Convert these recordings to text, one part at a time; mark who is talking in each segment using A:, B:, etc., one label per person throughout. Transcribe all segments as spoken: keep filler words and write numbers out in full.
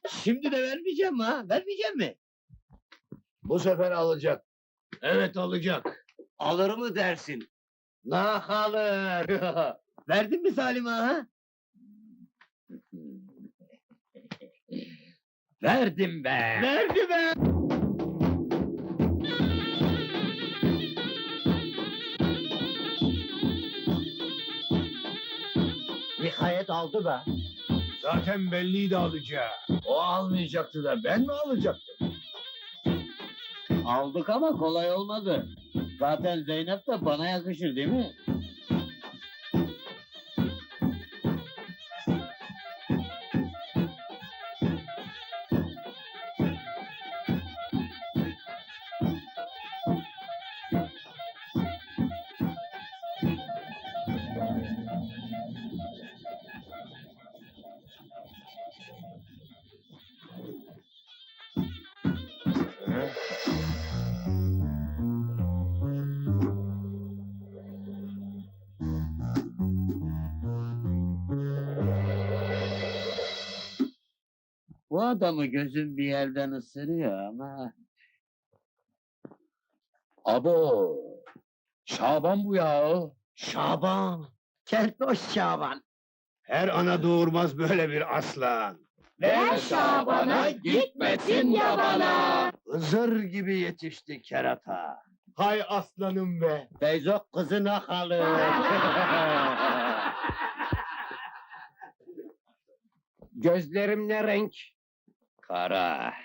A: Şimdi de vermeyeceğim ha, vermeyeceğim mi?
B: Bu sefer alacak.
A: Evet alacak.
B: Alır mı dersin?
A: Nah alır. Verdin mi Salim ağa, ha?
C: Verdim be!
A: Verdi be!
B: Nihayet aldı be.
D: Zaten belliydi alacağı.
C: O almayacaktı da ben mi alacaktım?
A: Aldık ama kolay olmadı. Zaten Zeynep de bana yakışır değil mi? Bu adamı gözüm bir yerden ısırıyor ama...
C: Abo! Şaban bu ya!
A: Şaban! Keltoş Şaban!
D: Her ana doğurmaz böyle bir aslan.
C: Ver Şaban'a, gitmesin yabana!
B: Hızır gibi yetişti kerata.
D: Hay aslanım be.
A: Feyzo kızına kalır!
C: Gözlerim ne renk? Kara.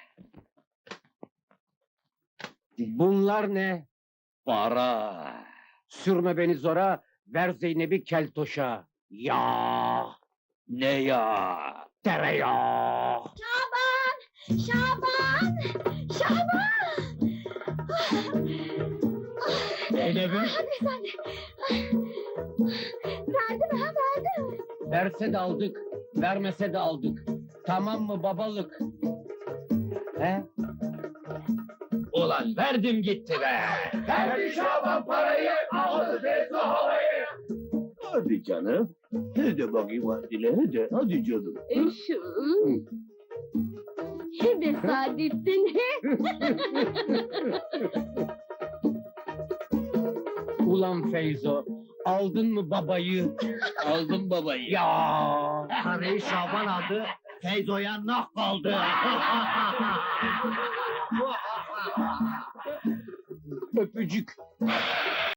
C: Bunlar ne?
A: Para!
C: Sürme beni zora, ver Zeynep'i keltoşa. Ya!
A: Ne ya?
C: Tereyağı!
E: Şaban! Şaban! Şaban!
A: Zeynep'im!
E: Hadi sen de. Verdi mi ha verdi mi?
C: Verse de aldık, vermese de aldık. Tamam mı babalık? He? Ulan verdim gitti be!
D: Verdi Şaban parayı, aldı Feyzo havayı.
B: Hadi canım. Hadi bakayım hadi hadi. Hadi canım.
E: Eşim. He be Saadettin he.
C: Ulan Feyzo, aldın mı babayı?
A: Aldım babayı!
C: Ya!
A: Parayı Şaban aldı, Feyzo'ya nah kaldı!
C: Öpücük.